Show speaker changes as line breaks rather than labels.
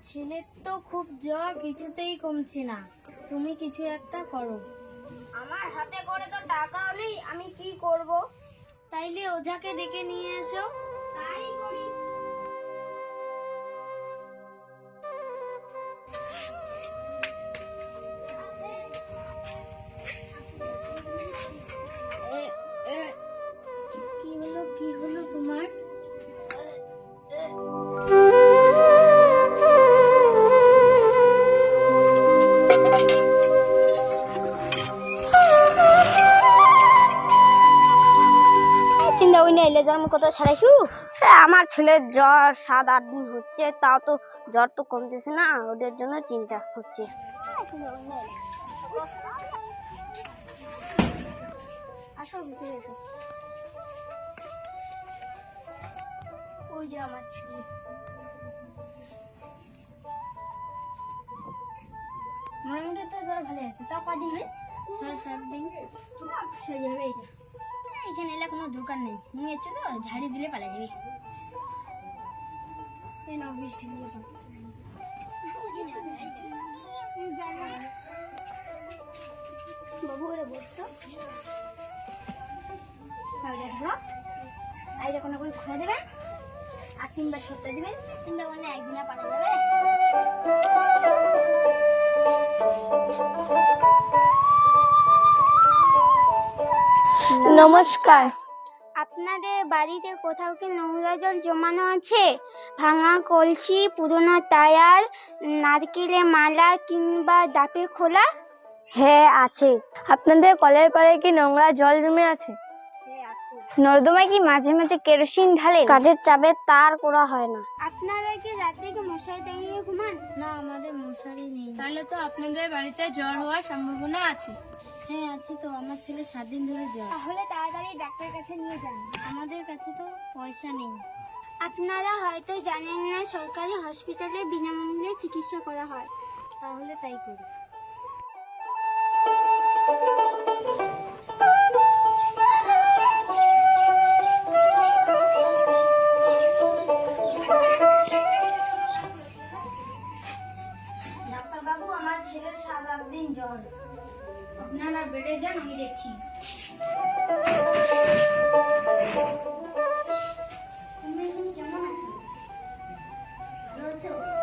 ছেলের তো খুব জ্বর, কিছুতেই কমছে না। তুমি কিছু একটা করো।
আমার হাতে করে তো টাকাও নেই, আমি কি করব?
তাইলে ওঝাকে ডেকে নিয়ে এসো।
তাই করি।
কি হলো তোমার?
চিন্তা করি না, এলে জন্ম কত ছাড়াইছু। আমার ছেলের জ্বর 7-8 দিন হচ্ছে, তাও তো জ্বর তো কমতেছে না, ওদের জন্য চিন্তা হচ্ছে। আসো ভিতরে এসো। ওই যে আমার ছেলে।
মোটামুটি তো জ্বর ভালো আছে।
তাও কদিন হয়?
6-7 দিন।
সেরে যাবে এটা। এখানে এলে কোনো দরকার নেই, নিয়ে চলো ঝাড়ি দিলে পালা যাবে।
এই নাও বৃষ্টি হলো তো।
বাবু করে বসতো আইটা কোনো করে খুঁড়ে দেবেন আর 3 বার সরটা দিবেন। চিন্তা করলে একদিনে পারা যাবে।
নমস্কার।
আপনাদের বাড়িতে কোথাও কি নোংরা জল জমানো আছে? ভাঙা কলসি, পুরনো টায়ার, নারকেলের মালা কিংবা ডাবের খোলা?
হ্যাঁ আছে। আপনাদের কলের পাড়ে কি নোংরা জল জমে আছে?
হ্যাঁ আছে।
নর্দমায় কি মাঝে মাঝে কেরোসিন ঢালেন?
কাজের চাপে তার করা হয় না।
আপনারা কি রাতে কি মশারি টাঙিয়ে ঘুমান? না, আমাদের মশারি নেই। তাহলে তো আপনাদের বাড়িতে জ্বর হওয়ার সম্ভাবনা আছে। হ্যাঁ আছে তো, আমার ছেলে 7 দিন ধরে জ্বর।
তাহলে তাড়াতাড়ি ডাক্তারের কাছে নিয়ে যান।
আমাদের কাছে তো পয়সা নেই।
আপনারা হয়তো জানেন না, সরকারি হসপিটালে বিনামূল্যে চিকিৎসা করা হয়।
তাহলে তাই করি।
ডাক্তার বাবু, আমার ছেলের 7-8 দিন জ্বর। আপনারা বেড়ে যান, আমি দেখছি। তুমি এখন কেমন আছো? ভালো আছো?